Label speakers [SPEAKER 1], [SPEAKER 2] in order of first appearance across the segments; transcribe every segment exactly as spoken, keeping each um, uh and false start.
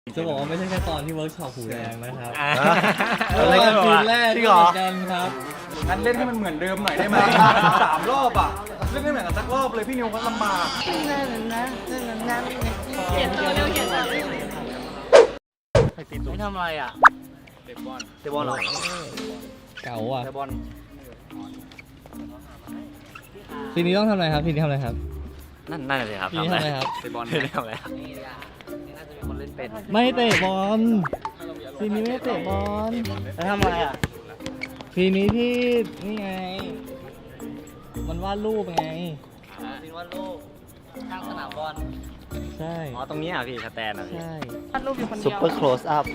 [SPEAKER 1] จะบอกว่าไม่ใช่แค่ตอนที่เวิร์กช็อปหูแดงนะครับ
[SPEAKER 2] อะไรกันวะ
[SPEAKER 1] คืนแรก
[SPEAKER 2] จริ
[SPEAKER 1] ที่
[SPEAKER 2] งเหรอ
[SPEAKER 1] เหมือนกันครับ
[SPEAKER 3] งั้นเล่นให้มันเหมือนเดิมหน่อยได้ไหม สามรอบอ่ะเล่นไม่เหมือนกันสักรอบเลยพี่นิวก็ลำบาก
[SPEAKER 4] เขียนตัวเร็วเขียนตัวเร็ว
[SPEAKER 2] ไม่ทำอะไรอ่ะ
[SPEAKER 3] เตะบอล
[SPEAKER 2] เตะบอลเหรอ
[SPEAKER 1] เก๋าอ่ะ
[SPEAKER 2] เตะบอล
[SPEAKER 1] ทีนี้ต้องทำอะไรครับทีนี้ทำอะไรครับ
[SPEAKER 2] นั่นนั่นเลยครับ
[SPEAKER 1] ทีนี้ทำอะไรครับ
[SPEAKER 3] เตะบอล
[SPEAKER 2] ไม่ได้ทำอะไรครับนี่น่าจะมีคนเล่นเป็น
[SPEAKER 1] ไม่เตะบอลทีนี้ไม่เตะบอล
[SPEAKER 2] แล้วทำอะไรอ่ะ
[SPEAKER 1] ทีนี้ที่นี่ไง มันวาดรูปไง
[SPEAKER 2] ซีนวาดรูปข้างสนามบอล
[SPEAKER 1] ใช่
[SPEAKER 2] อ๋อตรงนี้อ่ะพี่สแตนอ่ะพี่
[SPEAKER 1] ใช่
[SPEAKER 4] วาดรูปอยู่คนเดียว
[SPEAKER 2] ซุปเปอร์โคลสอัพ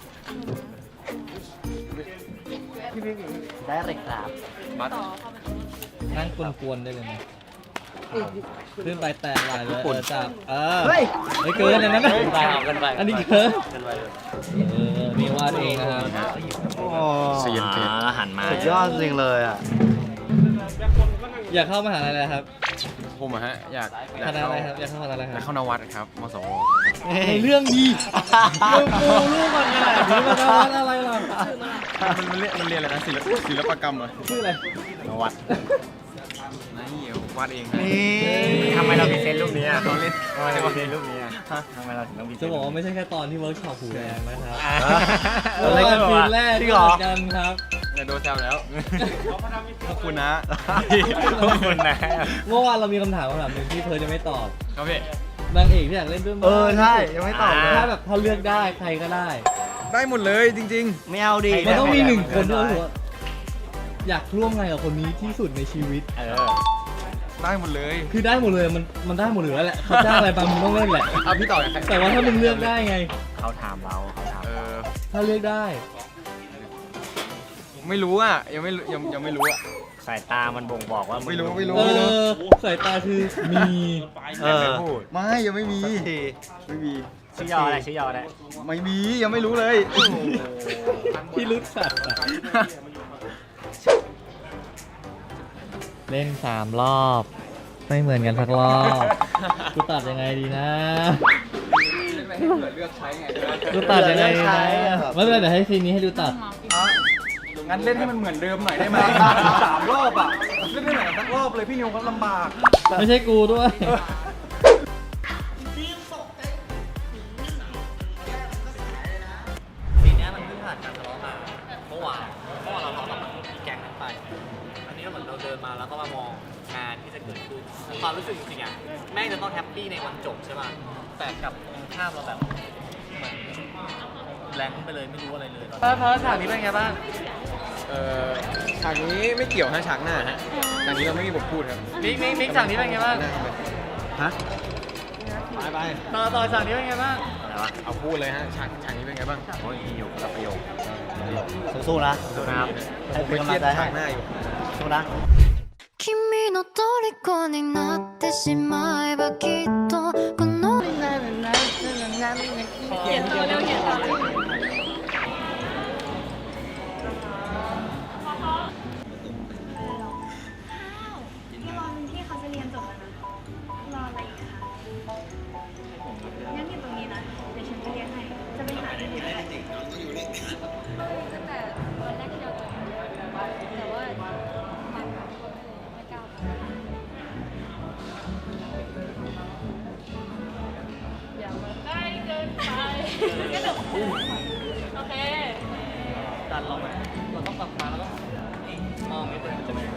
[SPEAKER 2] ได้เลยครับ
[SPEAKER 3] บัส
[SPEAKER 1] นั่งกวนๆได้เลยนะขึ้นไปแตะไหลเลยเออจับเออ
[SPEAKER 2] เฮ้ย
[SPEAKER 1] ไม่เกินอันนั้นนะ
[SPEAKER 2] เกินไปเอาเกินไป
[SPEAKER 1] อันนี้เกิน
[SPEAKER 2] เกินไปเลย
[SPEAKER 1] เออนี่วาดเองนะครับ
[SPEAKER 2] เสียนเสียนแล้วหันมา
[SPEAKER 5] สุดยอดจริงเลยอ่ะ
[SPEAKER 1] อยากเข้ามหาลัยอะไรครับ
[SPEAKER 3] ผมอะฮะอยากอยา
[SPEAKER 1] ค
[SPEAKER 3] ก
[SPEAKER 1] ณะ
[SPEAKER 3] เข้า
[SPEAKER 1] อะไรครับอยากเข้าคณะอะไรค
[SPEAKER 3] อยา
[SPEAKER 1] รั
[SPEAKER 3] ก
[SPEAKER 1] บ
[SPEAKER 3] เข้านวัดครับมสว
[SPEAKER 1] ในเรื่องดีมึงปูรูปมันขนาดนี้มันจะวาดอะไรล่ะ
[SPEAKER 3] มันมันเรียนมันเรียนอะไรนะศิลปศิลปกรรมเหรอ
[SPEAKER 1] ชื่ออะไร
[SPEAKER 2] นวัด
[SPEAKER 3] นี่วาดเองฮะ
[SPEAKER 2] ทำไมเราพรีเซนต์รูปนี้อ่ะเราเล่นทำไมเราพรีเซนต์รูปนี้อ่ะทำไมเราถึงต้องพรีเซ
[SPEAKER 1] จะ
[SPEAKER 2] นต์
[SPEAKER 1] บอกว่าไม่ใช่แค่ตอนที่เวิร์กช็อปหูแดงนะครับ
[SPEAKER 2] อะไรกัน
[SPEAKER 1] คื
[SPEAKER 2] วะ
[SPEAKER 1] นแรก
[SPEAKER 2] จริ
[SPEAKER 1] ที่
[SPEAKER 2] งเหร
[SPEAKER 1] เห
[SPEAKER 2] อ
[SPEAKER 1] มือนกันครับ
[SPEAKER 3] อย่าโดนแซวแล้วขอบคุณนะ
[SPEAKER 2] ขอบคุณนะ
[SPEAKER 1] เมื่อวานเรามีคำถามคำถามหนึ่งที่เธอจะไม่ตอบ
[SPEAKER 3] ครับพี่
[SPEAKER 1] นางเอกที่อยากเล่นด้วยมั้ย
[SPEAKER 5] เออใช่ยังไม่ตอบเลย
[SPEAKER 1] ถ้าแบบถ้าเลือกได้ใครก็ได้
[SPEAKER 3] ได้หมดเลยจริง
[SPEAKER 5] ไม่เอาดิ
[SPEAKER 1] มันต้องมีหนึ่งคนที่เรารู้สึกว่าอยากร่วมงานกับคนนี้ที่สุดในชีวิต
[SPEAKER 2] เออ
[SPEAKER 3] ๆ ได้หมดเลย
[SPEAKER 1] คือได้หมดเลยมันมันได้หมดเลยแล้วแหละเขาจ้างอะไรบางมึงต้องเล่นแหละ
[SPEAKER 3] เอาพี่ต่อเลยใคร
[SPEAKER 1] แต่ว่าถ้ามึงเลือกได้ไง
[SPEAKER 2] เขาถามเราเขาถาม
[SPEAKER 3] เออ
[SPEAKER 1] ถ้าเลือกได้
[SPEAKER 3] ไม่รู้อ่ะยังไม่รู้ยังยังไม่รู้อ่ะ
[SPEAKER 2] สายตามันบ่งบอกว่า
[SPEAKER 3] ไม่รู้ไม่รู้
[SPEAKER 1] เออสายตาคือมี
[SPEAKER 5] เออ
[SPEAKER 3] ไม่ยังไม่มี
[SPEAKER 5] สักที
[SPEAKER 3] ไม่มี
[SPEAKER 2] ชื่อยออะไรชื่อยออะไร
[SPEAKER 3] ไม่มียังไม่รู้เลย
[SPEAKER 1] ที่ลึกสัตว์อะเล่นสามรอบ ไม่เหมือนกันสักรอบกูตัดยังไงดีนะกูตัดยังไงดีนะไม่เป็นไรเดี๋ยวให้ซีนนี้ให้ดูตัด
[SPEAKER 3] งั้นเล่นให้มันเหมือนเดิมหน่อยได้ไหม สามรอบอ่ะเล่นไม่เหมือนกันสักรอบเลยพี่นิวก็ลำบาก
[SPEAKER 1] ไม่ใช่กูด้วย
[SPEAKER 2] ปีนี้มันเพิ่งผ่านการทะเลาะมาเมื่อวานเมื่อวานเราทะเลาะกับอีแก๊งนั้นไป อันนี้ก็เหมือนเราเดินมาแล้วก็มามองงานที่จะเกิดขึ้นความรู้สึกจริงๆอ่ะแม่งจะต้องแฮปปี้ในวันจบใช่ป่ะแต่กลับตรงข้ามเราแบบเหมือนแรงไปเลยไม่รู้อะไรเลยตอน
[SPEAKER 1] พอพอฉากนี้เป็นไงบ้าง
[SPEAKER 3] เอ่อฉากนี้ไม่เกี่ยวฮะฉากหน้าฮะฉากนี้เราไม่มีบทพูดครับ
[SPEAKER 1] มิกมิกมิกฉากนี้เป็นไงบ้าง
[SPEAKER 3] ฮะไปไป
[SPEAKER 1] ต่อต่อฉากนี้เป็นไงบ้าง
[SPEAKER 2] อะไรวะ
[SPEAKER 3] เอาพูดเลยฮะฉากฉากนี้เป็นไงบ้าง
[SPEAKER 2] โอ้ยมีอยู่กับประโยค
[SPEAKER 5] สู้ๆนะ
[SPEAKER 2] สู้นะครับ
[SPEAKER 3] ผมไปเครียดฉากหน้าอยู่
[SPEAKER 5] สู้นะ
[SPEAKER 4] 君の虜になってしまえばきっとこのเขียนตัวเร็วเขียนตัวเร็ว
[SPEAKER 6] พี่รอพี่เขาจะเรียนจบแล้วนะ รออะไรอีกคะงั้นอยู่ตรงนี้นะ เดี๋ยวฉันจะเรียกให้ จะไปหาที่อยู่ไหน
[SPEAKER 4] ตั้งแต่วันแรกที่เราเจอกันแต่ว่ามันไม่กล้าอย่ามาใกล้เกินไปก็เดี๋ยวโอเค
[SPEAKER 1] ดันลงมาเราต้องปรับมาแล้วก็มองนิดนึงจะไม่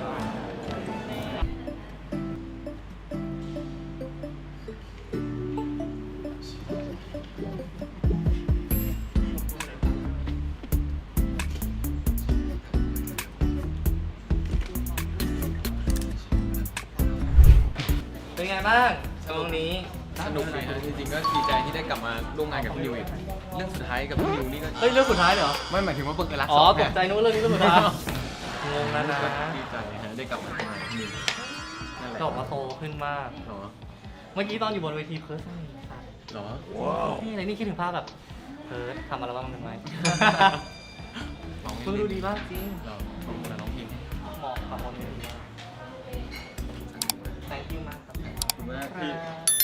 [SPEAKER 1] เป็นไงบ้างตรงนี้
[SPEAKER 3] สนุกดีฮะจริงๆก็ดีใจที่ได้กลับมาร่วมงานกับพี่นิวอีกเรื่องสุดท้ายกับพี่นิวนี่ก็
[SPEAKER 1] เฮ้ยเรื่องสุดท้ายเหรอ
[SPEAKER 3] ไม่หมายถึงว่าเปิดรัก
[SPEAKER 1] อ๋อ
[SPEAKER 3] สง
[SPEAKER 1] ตกใจนึกว่าเรื่องนี้เรื่องสุดท้ายงงแล้วนะ
[SPEAKER 3] ก็ดีใจฮะได้กลับมาทำงานกับพี่นิวนั่นแหละ
[SPEAKER 1] ดอกมาโตขึ้นมาก
[SPEAKER 3] เหรอ
[SPEAKER 1] เมื่อกี้ตอนอยู่บนเวทีเพิร์สนี่
[SPEAKER 3] เหรอ
[SPEAKER 1] นี่อะไรนี่คิดถึงภาพแบบเพิร์สทำอัลบั้มหนึ่งไหม
[SPEAKER 3] ร้อง
[SPEAKER 1] เพิ่งดูดีมากจริง
[SPEAKER 3] เหรอร้องเพลง
[SPEAKER 1] เหมาะกับบนเวทีมาก thank you มากครับ
[SPEAKER 3] ขอบคุณมากพี่